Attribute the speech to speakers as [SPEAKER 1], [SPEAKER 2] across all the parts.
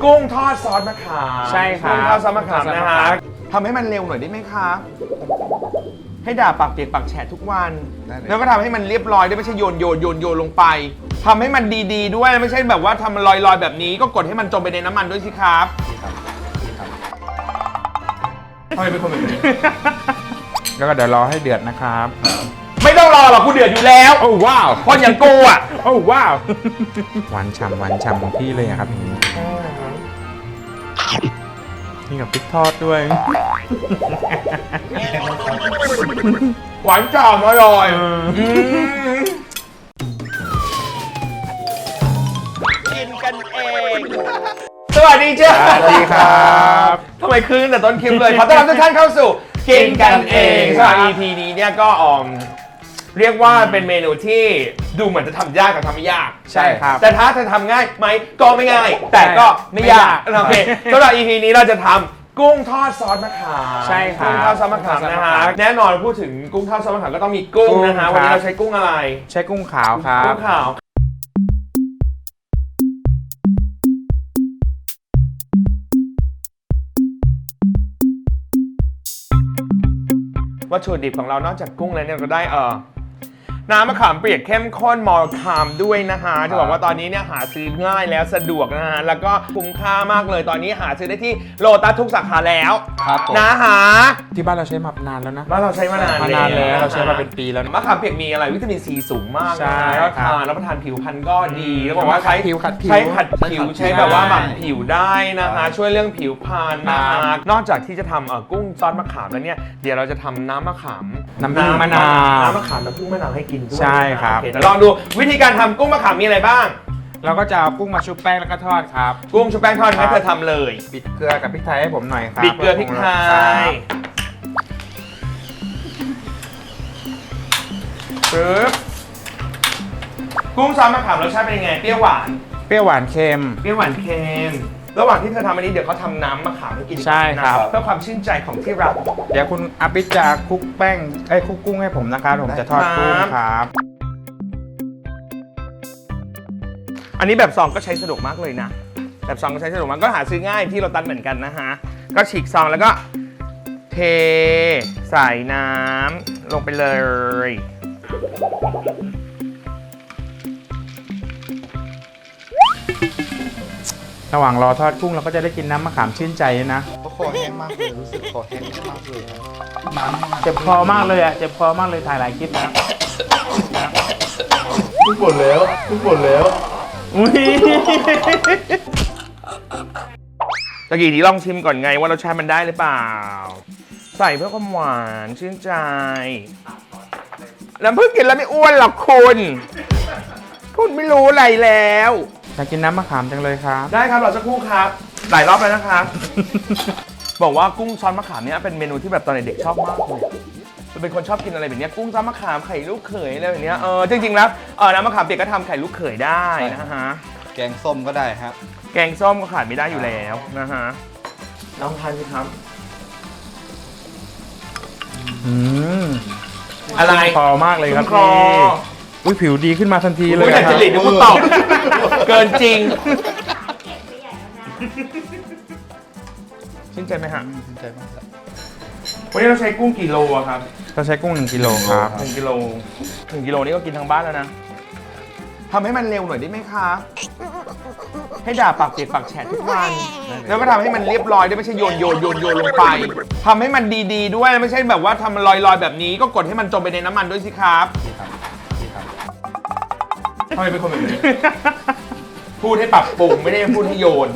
[SPEAKER 1] กุ้งทอดซอสมะขาม
[SPEAKER 2] ใช่ครับ
[SPEAKER 1] กุ้งทอดซอสมะขามนะฮะทำให้มันเร็วหน่อยได้ไหมครับให้ด่าปากเปียกปากแฉะทุกวันแล้วก็ทำให้มันเรียบร้อยด้วยไม่ใช่โยนลงไปทำให้มันดีๆด้วยไม่ใช่แบบว่าทำมันลอยๆแบบนี้ก็กดให้มันจมไปในน้ำมันด้วยสิครับทำไมเป็นคนแบบนี้
[SPEAKER 2] แล้วก็เดี๋ยวรอให้เดือดนะครับ
[SPEAKER 1] ไม่ต้องรอหรอกกูเดือดอยู่แล้ว
[SPEAKER 2] โอ้ว้าว
[SPEAKER 1] คนอย่างกูอ่ะ
[SPEAKER 2] โอ้ว้าวหวานฉ่ำของพี่เลยอะครับอย่างนี้นี่กับพริกทอดด้วย
[SPEAKER 1] หวานจ่ำอร่อยกินกันเองสวัสดีจ้า
[SPEAKER 2] สวัสดีครับ
[SPEAKER 1] ทำไมคืนแต่ต้นคลิปเลยขอต้อนรับทุกท่านเข้าสู่กินกันเองสำหรับ EP นี้เนี่ยก็เรียกว่าเป็นเมนูที่ดูเหมือนจะทำยากกับทำไม่ยาก
[SPEAKER 2] ใช่ครับ
[SPEAKER 1] แต่ถ้าจะทำง่ายไหมก็ไม่ง่าย แต่ก็ไม่ยาก
[SPEAKER 2] ไม่ยาก
[SPEAKER 1] โอเคสำหรับ EP นี้เราจะทำกุ้งทอดซอสมะขาม
[SPEAKER 2] ใช่ครับ
[SPEAKER 1] กุ้งทอดซอสมะขามนะฮะแน่นอนพูดถึงกุ้งทอดซอสมะขามก็ต้องมีกุ้งนะฮะ
[SPEAKER 2] กุ้ง
[SPEAKER 1] วันนี้
[SPEAKER 2] ครับ
[SPEAKER 1] เราใช้กุ้งอะไร
[SPEAKER 2] ใช้กุ้งขาวครับ
[SPEAKER 1] กุ้งขาววัตถุดิบของเรานอกจากกุ้งแล้วเนี่ยก็ได้น้ำมะขามเปียกเข้มข้นมอลคามด้วยนะฮะจะบอกว่าตอนนี้เนี่ยหาซื้อง่ายแล้วสะดวกนะฮะแล้วก็คุ้มค่ามากเลยตอนนี้หาซื้อได้ที่โลตัสทุกสาขาแล้วนะฮะ
[SPEAKER 2] ที่บ้านเราใช้มานานแล้วนะ
[SPEAKER 1] บ้านเราใช้มานาน
[SPEAKER 2] แล้วเราใช้มาเป็นปีแล้วนะ
[SPEAKER 1] มะขามเปียกมีอะไรวิตามินซีสูงมาก
[SPEAKER 2] ใช่
[SPEAKER 1] นะแล้ว
[SPEAKER 2] ครับ
[SPEAKER 1] ทานรับประทานผิวพรรณก็ดีแล้วบอกว่าใช้
[SPEAKER 2] ขัดผิว
[SPEAKER 1] ใช้ขัดผิวใช้แบบว่าหมั่น
[SPEAKER 2] ใช่
[SPEAKER 1] ผิวได้นะฮะช่วยเรื่องผิวพรรณนะฮะนอกจากที่จะทำกุ้งซอสมะขามแล้วเนี่ยเดี๋ยวเราจะทำน้ำมะขาม
[SPEAKER 2] น้ำผึ้งมะนาว
[SPEAKER 1] น้ำมะขามน้ำผึ้งมะนาวให้กินด้วย
[SPEAKER 2] ใช่ครับ
[SPEAKER 1] โอเคเดี๋ยวลองดูวิธีการทำกุ้งมะขามมีอะไรบ้าง
[SPEAKER 2] เราก็จะเอากุ้งมาชุบแป้งแล้วก็ทอดครับ
[SPEAKER 1] กุ้งชุบแป้งทอดให้เธอทำเลย
[SPEAKER 2] บิดเกลือกับพริกไทยให้ผมหน่อยครับ
[SPEAKER 1] บิดเกลือพริกไทยปึ๊บกุ้งซอสมะขามรสชาติเป็นยังไงเปรี้ยวหวาน
[SPEAKER 2] เปรี้ยวหวานเค็ม
[SPEAKER 1] เปรี้ยวหวานเค็มระหว่างที่เธอทำอันนี้เดี๋ยวเขาทำน้ำมะขามให้กิน
[SPEAKER 2] ใช่ครับ
[SPEAKER 1] นะเพื่อความชื่นใจของที่รัก
[SPEAKER 2] เดี๋ยวคุณอาปิจะคลุกแป้งคลุกกุ้งให้ผมนะครับผมจะทอดกุ้งครับ
[SPEAKER 1] อันนี้แบบซองก็ใช้สะดวกมากเลยนะแบบซองก็ใช้สะดวกมากก็หาซื้อง่ายที่โลตัสเหมือนกันนะฮะก็ฉีกซองแล้วก็เทใส่น้ำลงไปเลย
[SPEAKER 2] ระหว่างรอทอดกุ้งเราก็จะได้กินน้ำมะขามชื่นใจนะ
[SPEAKER 3] คอแห้งมากเลยรู้สึกคอแห้งมากเลยน้ำ
[SPEAKER 2] เจ็บคอมากเลยอ่ะเจ็บคอมากเลยถ่ายหลายคลิปนะ
[SPEAKER 3] ทุกคนแล้ว
[SPEAKER 2] อุ้ย
[SPEAKER 1] ตะกี้นี้ลองชิมก่อนไงว่ารสชาติมันได้หรือเปล่าใส่เพื่อความหวานชื่นใจน้ำผึ้งกินแล้วไม่อ้วนหรอกคุณไม่รู้อะไรแล้ว
[SPEAKER 2] อยากกินน้ำมะขามจังเลยครับ
[SPEAKER 1] ได้ครับรอสักครู่ครับหลายรอบแล้วนะครับ บอกว่ากุ้งซอสมะขามเนี่ยเป็นเมนูที่แบบตอนเด็กๆชอบมากเลยจะเป็นคนชอบกินอะไรแบบนี้กุ้งซอสมะขามไข่ลูกเขยอะไรแบบนี้จริงๆแล้วน้ำมะขามเปียกก็ทำไข่ลูกเขยได้นะฮะ
[SPEAKER 3] แกงส้มก็ได้ครับ
[SPEAKER 1] แกงส้มก็ขาดไม่ได้อยู่แล้วนะฮะลองทานสิครับ อะไร
[SPEAKER 2] คอมากเลยครับ
[SPEAKER 1] คอ
[SPEAKER 2] พี่อุ้ยผิวดีขึ้นมาทันทีเลย
[SPEAKER 1] อุ้ยแต่
[SPEAKER 2] ค
[SPEAKER 1] จ
[SPEAKER 2] รับ
[SPEAKER 1] ริตเดี๋ยวกูตอบเกินจริงชื่นใจไหมฮะ
[SPEAKER 3] สนใจมากครับ
[SPEAKER 1] วันนี้เราใช้กุ้งกี่โลอะครับ
[SPEAKER 2] เราใช้กุ้ง1 กิโลครับ
[SPEAKER 1] 1 กิโล1 กิโลนี่ก็กินทั้งบ้านแล้วนะทำให้มันเร็วหน่อยได้ไหมคะให้ด่าปากเปียกปากแฉะทุกวันแล้วก็ทำให้มันเรียบร้อยด้วยไม่ใช่โยนลงไปทำให้มันดีๆด้วยไม่ใช่แบบว่าทำมันลอยๆแบบนี้ก็กดให้มันจมไปในน้ำมันด้วยสิครับทำไมเป็นคนแบบนี้ พูดให้ปรับปรุงไม่ได้พูดให้โยน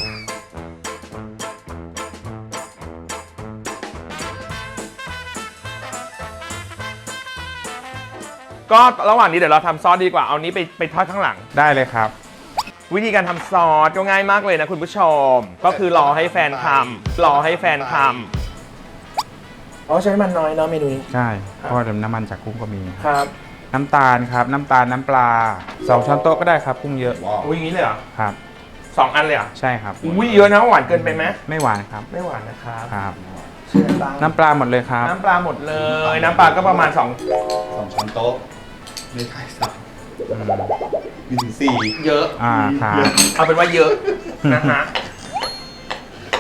[SPEAKER 1] ก็ระหว่างนี้เดี๋ยวเราทำซอสดีกว่าเอานี้ไปทอดข้างหลัง
[SPEAKER 2] ได้เลยครับ
[SPEAKER 1] วิธีการทำซอสก็ง่ายมากเลยนะคุณผู้ชมก็คือรอให้แฟนทำอ๋อใช้มันน้อยเนาะเมนูนี้
[SPEAKER 2] ใช่เพราะว่าน้ำมันจากกุ้งก็มี
[SPEAKER 1] ครับ
[SPEAKER 2] น้ำตาลครับน้ำตาลน้ำปลา2 ช้อนโต๊ะก็ได้ครับกุ้งเยอะ
[SPEAKER 3] ว้าว
[SPEAKER 1] อุ้ยอย่างนี้เลยเหรอ
[SPEAKER 2] ครับ
[SPEAKER 1] 2 อันเลยเหรอ
[SPEAKER 2] ใช่ครับ
[SPEAKER 1] อุ้ยเยอะนะหวานเกินไปไหม
[SPEAKER 2] ไม่หวานครับ
[SPEAKER 1] ไม่หวานนะครับ
[SPEAKER 2] ครับ
[SPEAKER 1] เชื่อบ้าง
[SPEAKER 2] น้ำปลาหมดเลยครับ
[SPEAKER 1] น้ำปลาหมดเลยน้ำปลาก็ประมาณ2
[SPEAKER 3] 2 ช้อนโต๊ะไม่ใช่3มีถึง4
[SPEAKER 1] เยอะ
[SPEAKER 2] ครับ
[SPEAKER 1] เอาเป็นว่าเยอะนะฮะ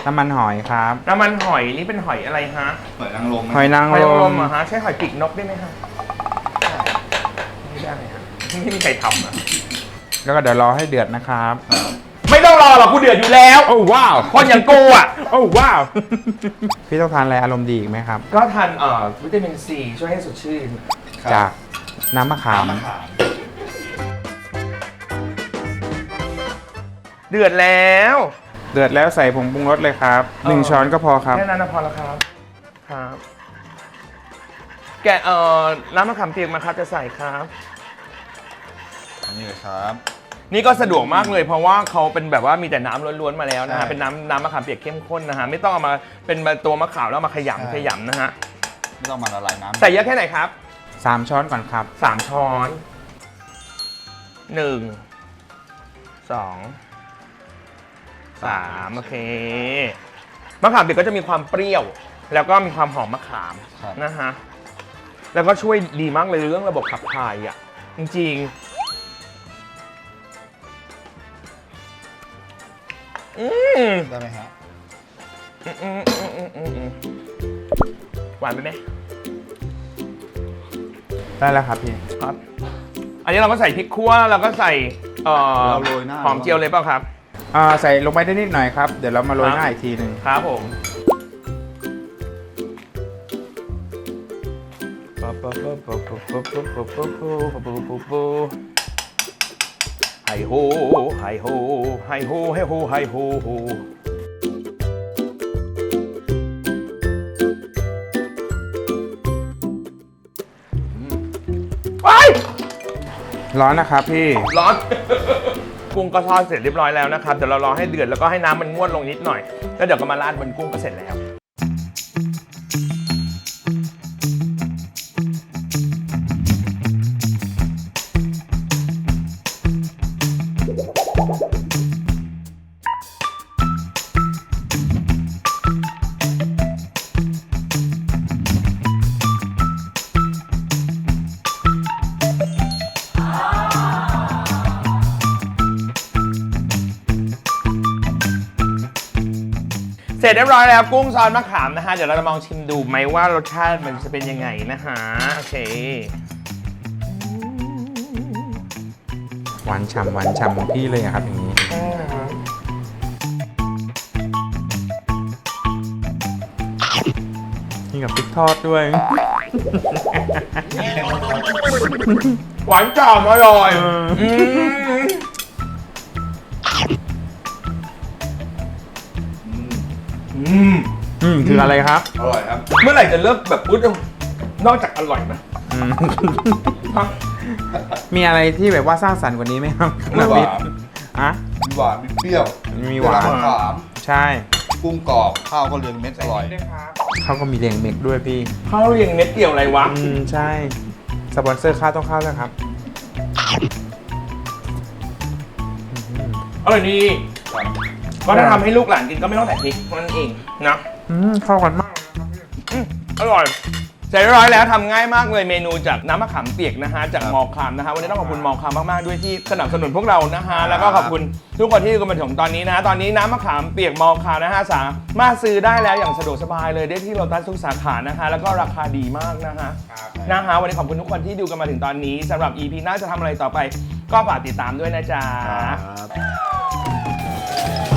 [SPEAKER 2] น้ำมันหอยครับ
[SPEAKER 1] น้ำมันหอยนี่เป็นหอยอะไรฮะ
[SPEAKER 3] หอยนางรม
[SPEAKER 2] หอยนาง
[SPEAKER 1] หอย
[SPEAKER 2] ร
[SPEAKER 1] นางร
[SPEAKER 2] ม
[SPEAKER 1] มเหรอฮะใช้หอยปีกนกได้ไหมฮะไม่ได้ฮะไม่มีใครทำอ่ะ
[SPEAKER 2] แล้วก็เดี๋ยวรอให้เดือดนะครับ
[SPEAKER 1] ไม่ต้องรอหรอกกูเดือดอยู่แล้ว
[SPEAKER 2] โอ้ว้าว
[SPEAKER 1] คนอย่างกูอ่ะ
[SPEAKER 2] โอ้ว้าว พี่ต้องทานอะไรอารมณ์ดีอีกไหมครับ
[SPEAKER 1] ก็ทานวิตามินซีช่วยให้สดชื่น
[SPEAKER 3] ครับ
[SPEAKER 2] จากน้ำมะขาม
[SPEAKER 3] น้ำมะขาม
[SPEAKER 1] เดือดแล้ว
[SPEAKER 2] เดือดแล้วใส่ผงปรุงรสเลยครับ1 ช้อนก็พอครับ
[SPEAKER 1] แค่นั้นนะพอแล้วครับครับ แกะน้ำมะขามเปียกมาครับจะใส่ครับ
[SPEAKER 3] นี่เลยครับ
[SPEAKER 1] นี่ก็สะดวกมากเลยเพราะว่าเขาเป็นแบบว่ามีแต่น้ำล้วนๆมาแล้วนะฮะ
[SPEAKER 3] ใช่
[SPEAKER 1] เป็นน้ำมะขามเปียกเข้มข้นนะฮะไม่ต้องเอามาเป็นตัวมะขามแล้วเอามาข
[SPEAKER 3] ใช่
[SPEAKER 1] ยำนะฮะ
[SPEAKER 3] ไม่ต้องมาละลายน้ำ
[SPEAKER 1] ใส่เยอะแค่ไหนครับ
[SPEAKER 2] 3 ช้อนก่อนครับ
[SPEAKER 1] 3 ช้อน 1 2 3โอเคมะขามเปียกก็จะมีความเปรี้ยว แล้วก็มีความหอมมะขามนะฮะแล้วก็ช่วยดีมากเลยเรื่องระบบขับถ่ายอ่ะจริงๆ
[SPEAKER 3] ได้ไหมฮะ
[SPEAKER 1] หวานไปไหม
[SPEAKER 2] ได้แล้วครับพี่
[SPEAKER 1] ครับ อันนี้เราก็ใส่พริกคั่วแล้วก็ใส่
[SPEAKER 3] เราโรยหน้า
[SPEAKER 1] หอมเจียวเลยเปล่าครับ
[SPEAKER 2] ใส่ลงไปได้นิดหน่อยครับ เดี๋ยวเรามาโรยหน้าอีกทีหนึ่ง
[SPEAKER 1] ครับผม ไฮโฮไฮโฮไฮโฮไฮโฮไฮโฮโฮไป
[SPEAKER 2] ร้อนนะครับพี่
[SPEAKER 1] ร้อน กุ้งก็ทอดเสร็จเรียบร้อยแล้วนะครับเดี๋ยวเรารอให้เดือดแล้วก็ให้น้ำมันงวดลงนิดหน่อยแล้วเดี๋ยวก็มาราดบนกุ้งก็เสร็จแล้ว เสร็จเรียบร้อยแล้วกุ้งซอสมะขามนะฮะเดี๋ยวเราจะลองชิมดูไหมว่ารสชาติมันจะเป็นยังไงนะฮะโอเค
[SPEAKER 2] หวานฉ่ำของพี่เลยอะครับอย่างนี้ นี่กับพริกทอดด้วย
[SPEAKER 1] หวานจ่ำอร่อย
[SPEAKER 2] คืออะไรครับ
[SPEAKER 3] อร่อยครับ
[SPEAKER 1] เมื่อไหร่จะเลิกแบบอุ๊ดนอกจากอร่อยนะ
[SPEAKER 2] มีอะไรที่แบบว่าสร้างสรรค์กว่านี้ไหมครับ
[SPEAKER 3] ไม่หวาน
[SPEAKER 2] อะ
[SPEAKER 3] มีหวานมีเปรี้ยว
[SPEAKER 2] มีหวาน
[SPEAKER 3] มะขาม
[SPEAKER 2] ใช่
[SPEAKER 3] กุ้งกรอบข้าวก็เรียงเม็ดอร่อย
[SPEAKER 2] เขาก็มีเรียงเม็กด้วยพี่
[SPEAKER 1] ข้าวเรียงเม็ดเกี่ยวอะไรวะ
[SPEAKER 2] ใช่ สปอนเซอร์ข้าวต้องเข้าด้วยครับ
[SPEAKER 1] อร่อยดีก็ถ้าทำให้ลูกหลานกินก็ไม่ต้องใส่พริกนั่นเองนะ
[SPEAKER 2] เข้ากันมากเลยนะครับพี่
[SPEAKER 1] อร่อยเสร็จเรียบร้อยแล้วทำง่ายมากเลยเมนูจากน้ำมะขามเปียกนะฮะจากมอคามนะฮะวันนี้ต้องขอบคุณมอคามมากๆด้วยที่สนับสนุนพวกเรานะฮะแล้วก็ขอบคุณทุกคนที่ดูกันมาถึงตอนนี้นะฮะตอนนี้น้ำมะขามเปียกมอคามนะฮะสามารถซื้อได้แล้วอย่างสะดวกสบายเลยได้ที่โลตัสทุกสาขานะฮะแล้วก็ราคาดีมากนะฮะวันนี้ขอบคุณทุกคนที่ดูกันมาถึงตอนนี้สำหรับ EP หน้าจะทำอะไรต่อไปก็ฝากติดตามด้วยนะจ๊ะ
[SPEAKER 3] ครับ